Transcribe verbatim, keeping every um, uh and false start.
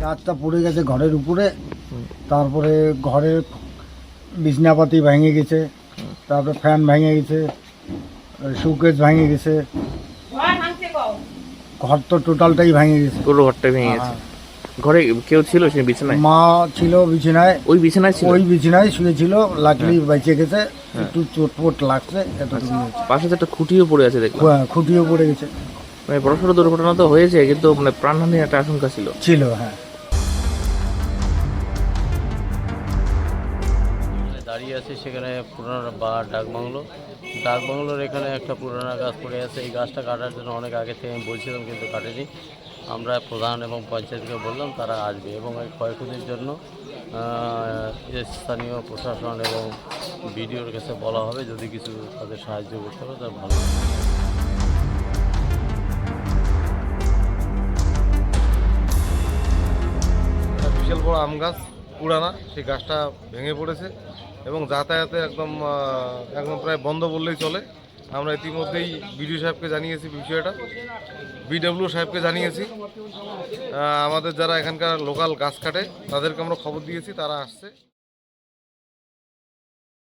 গাছটা পড়ে গেছে ঘরের উপরে, তারপরে ঘরের বিছনাপাতি ভেঙে গেছে, তারপরে ফ্যান ভেঙে গেছে, শোকেস ভেঙে গেছে, ঘর তো টোটালটাই ভেঙে গেছে। পুরো ঘরটা ভেঙে গেছে। ঘরে কেউ ছিল সে বিছানায়? মা ছিল বিছানায়, ওই বিছানায় ছিল? ওই বিছানায় শুয়েছিল, লাকলি বেঁচে গেছে, একটু চোটপোট লাগছে এতটুকু হয়েছে। পাশে তো একটা খুঁটিও পড়ে আছে দেখলাম। হ্যাঁ, খুঁটিও পড়ে গেছে। মানে বড়সড় দুর্ঘটনা তো হয়েছে, কিন্তু মানে প্রাণহানির একটা আশঙ্কা ছিল। ছিল হ্যাঁ। দাঁড়িয়ে আছে সেখানে পুরানো বা ডাকবাংলো, ডাকবাংলোর এখানে একটা পুরানো গাছ পড়ে আছে। এই গাছটা কাটার জন্য অনেক আগে থেকে আমি বলছিলাম, কিন্তু কাটেনি। আমরা প্রধান এবং পঞ্চায়েতকে বললাম, তারা আসবে এবং এই ক্ষয়ক্ষতির জন্য স্থানীয় প্রশাসন এবং বিডিওর কাছে বলা হবে, যদি কিছু তাদের সাহায্য করতে হবে তাহলে ভালো। বিশাল বড় আম গাছ পুরানা, সেই গাছটা ভেঙে পড়েছে এবং যাতায়াতে একদম একদম প্রায় বন্ধ বললেই চলে। আমরা ইতিমধ্যেই বিডিও সাহেবকে জানিয়েছি বিষয়টা, বিডব্লিউ সাহেবকে জানিয়েছি। আমাদের যারা এখানকার লোকাল গাছ কাটে তাদেরকে আমরা খবর দিয়েছি, তারা আসছে।